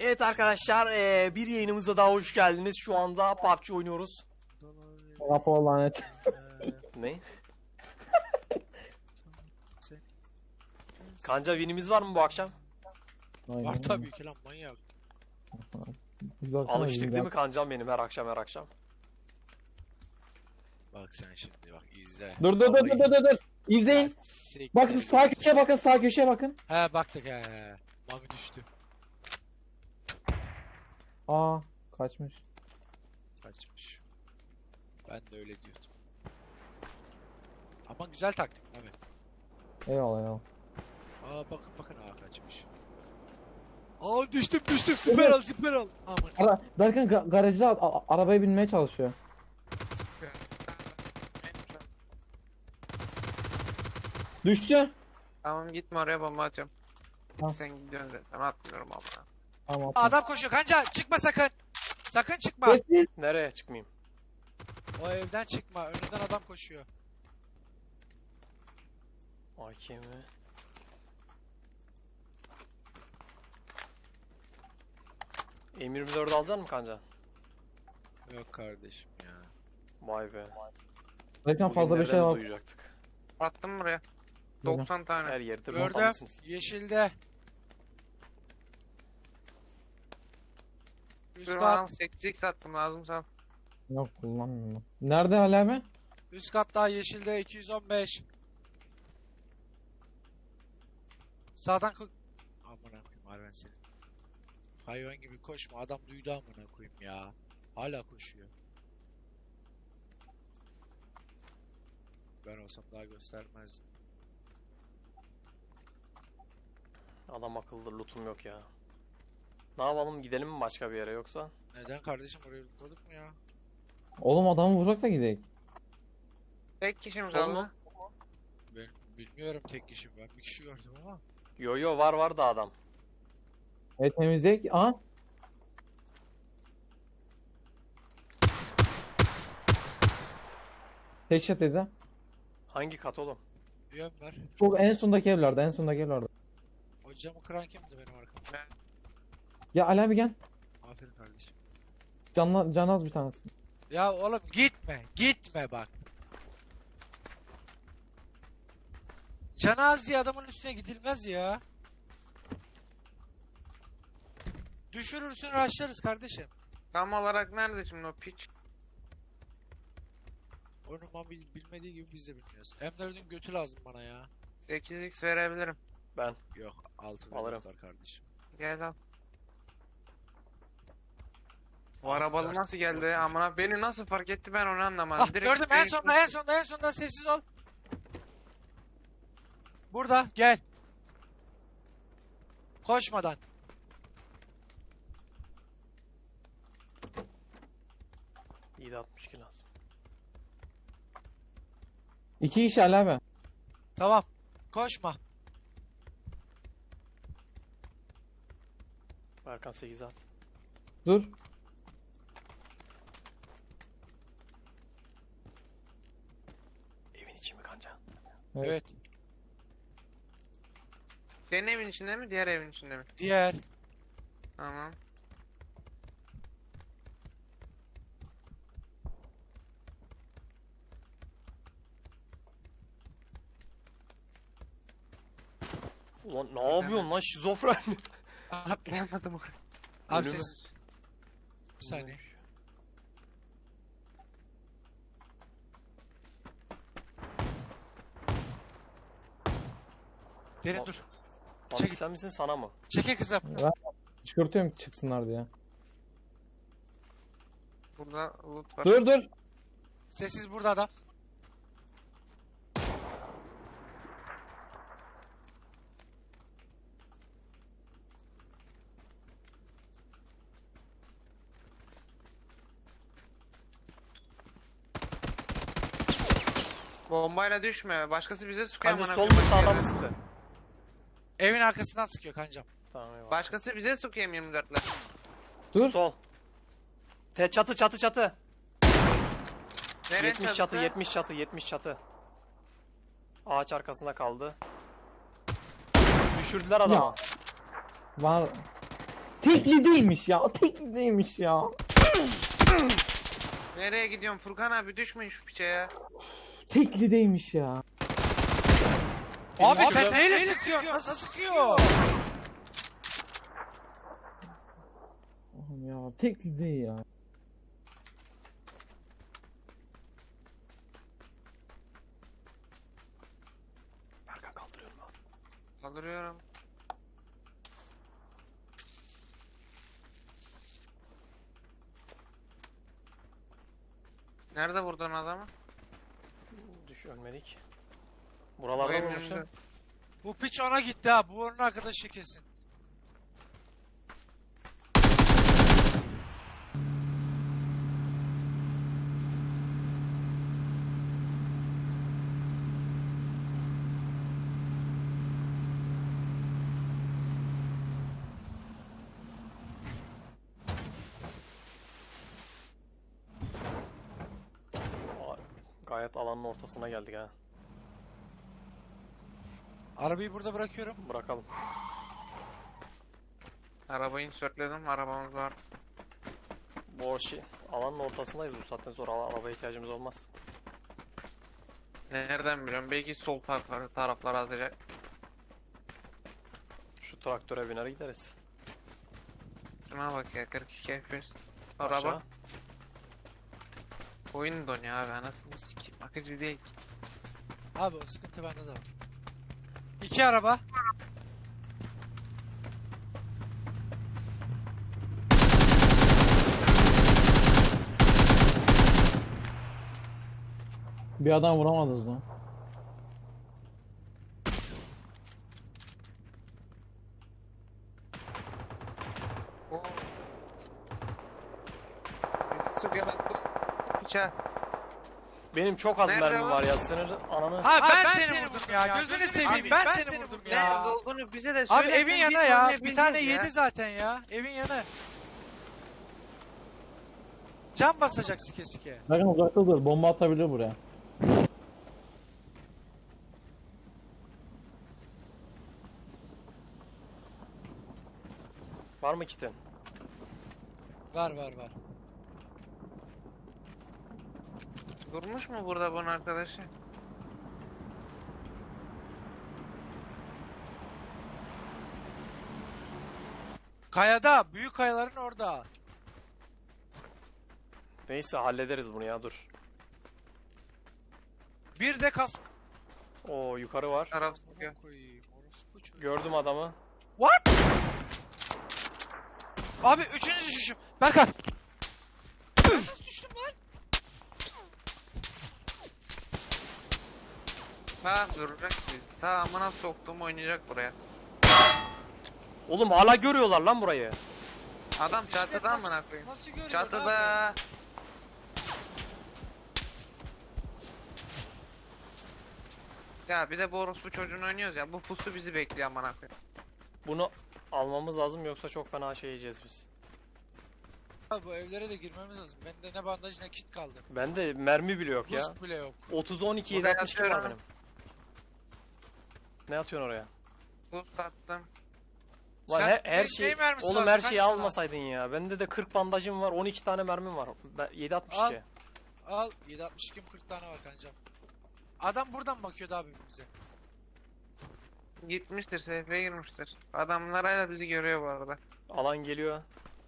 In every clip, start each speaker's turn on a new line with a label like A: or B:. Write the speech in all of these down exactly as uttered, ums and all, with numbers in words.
A: Evet arkadaşlar, ee, bir yayınımıza daha hoş geldiniz. Şu anda P U B G oynuyoruz.
B: Rapor lanet.
A: Ne? Kanca winimiz var mı bu akşam?
C: Var tabii ki lan manyak.
A: Alıştık değil mi kancam benim her akşam her akşam?
C: Bak sen şimdi bak izle.
B: Dur dur dur dur dur dur. İzleyin. Bakın sağ köşeye bakın, sağ köşeye bakın.
C: He baktık he he. Mami düştü.
B: Aa, kaçmış.
C: Kaçmış. Ben de öyle diyordum. Ama güzel taktik Mami.
B: Eyvallah eyvallah.
C: Aa bakın bakın aa kaçmış. Aa düştüm düştüm süper al süper al. Aman.
B: Ara, Berkan ga garajda a- arabaya binmeye çalışıyor. Düştü.
D: Tamam gitme oraya, bomba atacağım.
B: Tamam.
D: Sen gidiyorsun zaten, atmıyorum ama.
B: Tamam.
C: Adam koşuyor kanca çıkma sakın. Sakın çıkma.
B: Sessiz.
A: Nereye çıkmayayım?
C: O evden çıkma önünden adam koşuyor.
A: A K mi? M yirmi dört alacaksın mı kanca?
C: Yok kardeşim ya.
A: Vay be.
B: Berkan fazla bir
A: Bugün
B: şey
A: nereden
B: var.
A: duyacaktık?
D: Attım buraya. doksan tane.
A: Her yerde
C: Gördüm.
A: bombalısınız.
C: Yeşilde. Üst
D: Dur al,
C: kat.
D: sekiz x attım, lazım sal.
B: Yok kullanmıyorum. Nerede hala abi?
C: Üst katta yeşilde iki yüz on beş. Sağdan ko... Amına koyayım Arven seni. Hayvan gibi koşma, adam duydu amına koyayım ya. Hala koşuyor. Ben olsam daha göstermezdim.
A: Adam akıllı, lootum yok ya. Ne yapalım, gidelim mi başka bir yere yoksa?
C: Neden kardeşim, oraya koyduk mu ya?
B: Oğlum adamı vuracak da gidelim.
D: Tek kişi mi
A: Son
D: kaldı?
A: mu?
C: Ben bilmiyorum tek kişi, ben bir kişi gördüm ama.
A: Yo yo, var var da adam.
B: Evet temizleyek. Aa. Headshot dedi.
A: Hangi kat oğlum?
C: Yön ver.
B: Çok en sondaki evlerde, en sondaki evlerde.
C: O camı kıran kimdi benim arkamda?
B: Ya Ali abi gel.
C: Aferin kardeşim.
B: Canla, can az bir tanesi.
C: Ya oğlum gitme, gitme bak. Cenaze adamın üstüne gidilmez ya. Düşürürsün, raşlarız kardeşim.
D: Tam olarak nerede şimdi o piç?
C: Onun Mami bilmediği gibi biz de bilmiyoruz. M dört'ün götü lazım bana ya.
D: sekiz x verebilirim.
A: Ben.
C: Yok, altı
A: Alırım.
C: var kardeşim.
D: Gel al. Bu
C: Altı
D: arabalı
C: dört.
D: nasıl geldi? Amına, beni nasıl fark etti ben onu anlamadım.
C: Ah
D: Direkt
C: gördüm, en
D: değişti.
C: sonda en sonda en sonda sessiz ol. Burada gel. Koşmadan.
A: İyi de altmış iki lazım.
B: İki kişi Ali abi.
C: Tamam. Koşma.
A: Berkan sekiz at.
B: Dur.
A: Evin içi mi kanca?
B: Evet.
C: Evet.
D: Senin evin içinde mi, diğer evin içinde mi?
C: Diğer.
D: Tamam.
A: Ulan ne yapıyorsun lan şizofren?
D: Atlayamadım oraya.
C: Abi
A: Ölümü.
C: sessiz. Bir saniye. Derin
A: Bak-
C: dur.
A: Abi
C: Çekil.
A: sen misin sana mı?
C: Çeke kızım.
B: Çıkartıyorum çıksınlar diye.
D: Burada loot var.
B: Dur dur.
C: Sessiz burada adam.
D: Bombayla düşme. Başkası bize sıkıyor
A: Kanca
D: amına
A: sol mu
D: koyayım,
A: sağdan mı
D: yerde.
A: sıktı?
C: Evin arkasından sıkıyor kancam.
A: Tamam eyvallah.
D: Başkası bize sıkıyor yirmi dörtle.
B: Dur.
A: Sol. Te çatı çatı çatı.
D: Nereye
A: yetmiş çatı yetmiş çatı yetmiş çatı. Ağaç arkasında kaldı. Düşürdüler adamı.
B: Var. Tekli değilmiş ya. Tekli değilmiş ya.
D: Nereye gidiyorsun Furkan abi, düşmeyin şu piçe ya.
B: Tekli değilmiş ya.
C: Abi sen neyle sıkıyorsun? Nasıl sıkıyor?
B: Oğlum ya tekli değil ya.
A: Berkan kaldırıyorum abi.
D: Kaldırıyorum. Nerede vurdun adamı?
A: Düş ölmedik. Buralarda
D: Benim
A: vurmuşlar.
D: önümde.
C: Bu piç ona gitti ha. Bu onun arkadaşı kesin.
A: Aa, gayet alanın ortasına geldik ha.
C: Arabayı burada bırakıyorum.
A: Bırakalım.
D: Arabayı insertledim, arabamız var.
A: Bu şey, alanın ortasındayız, bu saatten sonra ara- arabaya ihtiyacımız olmaz.
D: Nereden biliyorum? Belki sol tarafları taraflara atacak.
A: Şu traktöre biner gideriz.
D: Şuna bak ya, kırk iki F P S. Araba.
A: Aşağı.
D: Oyun donuyor abi, anasını sikeyim. Akıcı değil ki.
C: Abi o sıkıntı bende de var. İki araba.
B: Bir adam vuramadınız lan.
D: Oo. Su gel bak. Piça.
A: Benim çok az
D: Nerede
A: mermim
D: var?
A: var ya, sınır ananı.
C: Ha ben, seni vurdum ya. Gözünü seveyim. Ben seni vurdum
D: Nerede
C: ya.
D: olduğunu bize de
C: Abi
D: söyle.
C: evin
D: biz
C: yanı ya. Bir
D: oynayabileceğiz
C: tane
D: ya.
C: yedi zaten ya. Evin yanı. Can basacak sike sike.
B: Bakın uzakta dur. Bomba atabilir buraya.
A: Var mı kitin?
C: Var var var.
D: Durmuş mu burada bunun arkadaşı?
C: Kayada. Büyük kayaların orada.
A: Neyse hallederiz bunu ya, dur.
C: Bir de kask.
A: Oo, yukarı var.
D: Taraf sıkıyor.
C: Koyayım. Orospu çocuğu.
A: Gördüm adamı.
C: What? Abi üçüncü düşüşüm. Berkan. Ben nasıl düştüm lan?
D: Ha duracak biz. Sağ amına soktum, oynayacak buraya.
A: Oğlum hala görüyorlar lan burayı.
D: Adam
C: İşte
D: çatıda
C: nasıl-
D: amına koyayım.
C: Nasıl görüyor abi?
D: Çatıda. Ya bir de bu orospu çocuğunu oynuyoruz ya. Bu pusu bizi bekliyor amına koyayım.
A: Bunu almamız lazım, yoksa çok fena şey yiyeceğiz biz.
C: Abi bu evlere de girmemiz lazım. Bende ne bandaj ne kit kaldı.
A: Bende mermi bile yok ya.
C: Boost bile yok.
A: otuz on iki yedi
D: Buraya
A: altmış iki var
D: atıyorum.
A: benim. Ne atıyorsun oraya?
D: Pus attım.
A: Lan
C: Sen
A: her, her
C: ne-
A: şey
C: ne mermisi
A: oğlum
C: lazım?
A: her
C: Kaç
A: şeyi
C: sana?
A: almasaydın ya. Bende de kırk bandajım var, on iki tane mermim var. Ben- yedi altmış iki.
C: Al. yedi altmış iki kırk tane var kancam. Adam buradan bakıyordu abi bize.
D: Gitmiştir, S F'ye girmiştir. Adamlar hala bizi görüyor bu arada.
A: Alan geliyor.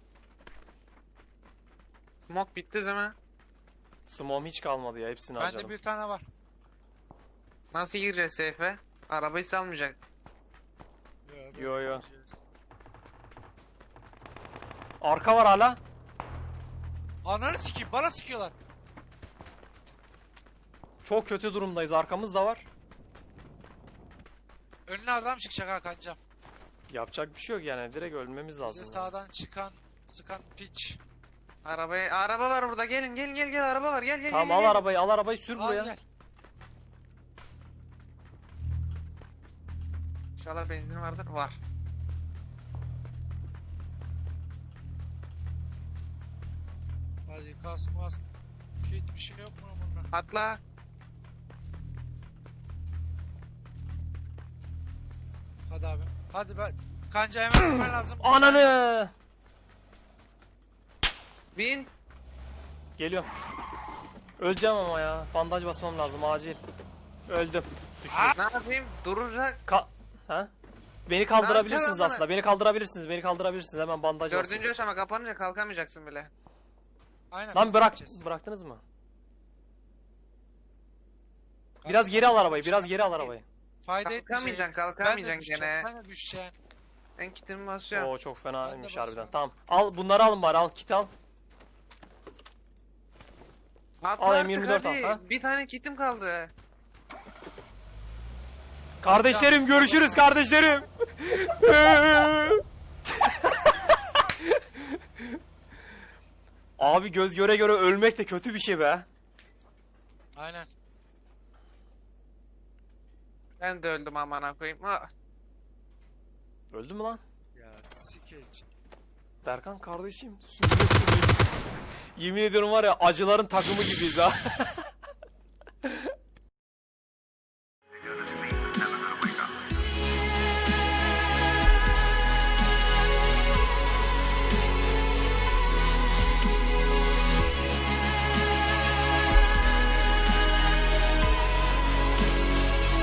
D: Smoke bitti değil mi?
A: Smom hiç kalmadı ya, hepsini harcadım.
C: Bende bir tane var.
D: Nasıl gireceğiz S F'ye? Arabayı salmayacak.
C: Yo
A: Yo, yo.
C: şey
A: Arka var hala.
C: Ananı sikeyim bana sikiyorlar.
A: Çok kötü durumdayız, arkamız da var.
C: Önüne adam çıkacak ha kancam.
A: Yapacak bir şey yok yani, direkt ölmemiz lazım.
C: Bize
A: ya.
C: sağdan çıkan sıkan piç.
D: Arabayı, araba var burada. Gelin gelin gel gel araba var. Gel gel
A: Tamam
D: gel.
A: al
D: gel.
A: arabayı, al arabayı sür
C: Al
A: buraya.
C: gel.
D: İnşallah benzin vardır. Var.
C: Hadi kask mask. Kit bir şey yok mu bunun?
D: Atla.
C: Hadi abi. Hadi ben. Kanca hemen gitmen lazım.
A: Ananı!
D: Bin.
A: Geliyorum. Öleceğim ama ya. Bandaj basmam lazım acil. Öldüm. Düştüm.
D: Ne yapayım? Duracak.
A: Ka ha? Beni kaldırabilirsiniz
D: Ne yapacağım
A: aslında. Beni kaldırabilirsiniz. Beni kaldırabilirsiniz. Hemen bandaj basın.
D: Dördüncü aşama kapanınca kalkamayacaksın bile.
C: Aynen.
A: Lan
C: biz
A: bırak.
C: gideceğiz.
A: Bıraktınız mı?
C: Kanka,
A: Biraz geri al arabayı.
C: şey
A: Biraz geri al arabayı.
C: Fayda etmeyecek.
D: Kalkamayacaksın,
C: Ben de
D: kalkamayacaksın
C: düşeceğim.
D: gene.
C: Sen de düşeceksin.
D: Ben kitimi basıyorum.
A: Oo çok fenaymış
C: Ben de
A: harbiden.
C: basıyorum.
A: Tamam. Al bunları alın bari. Al kit al.
D: Atla
A: al,
D: artık
A: M yirmi dört
D: hadi.
A: al, ha?
D: Bir tane kitim kaldı.
A: Kardeşlerim görüşürüz kardeşlerim. Abi göz göre göre ölmek de kötü bir şey be.
C: Aynen.
D: Ben de öldüm amına koyayım. Ah.
A: Öldün mü lan?
C: Ya sikeç.
A: Berkan kardeşim. Sürüne sürüne. Yemin ediyorum var ya acıların takımı gibiyiz ha.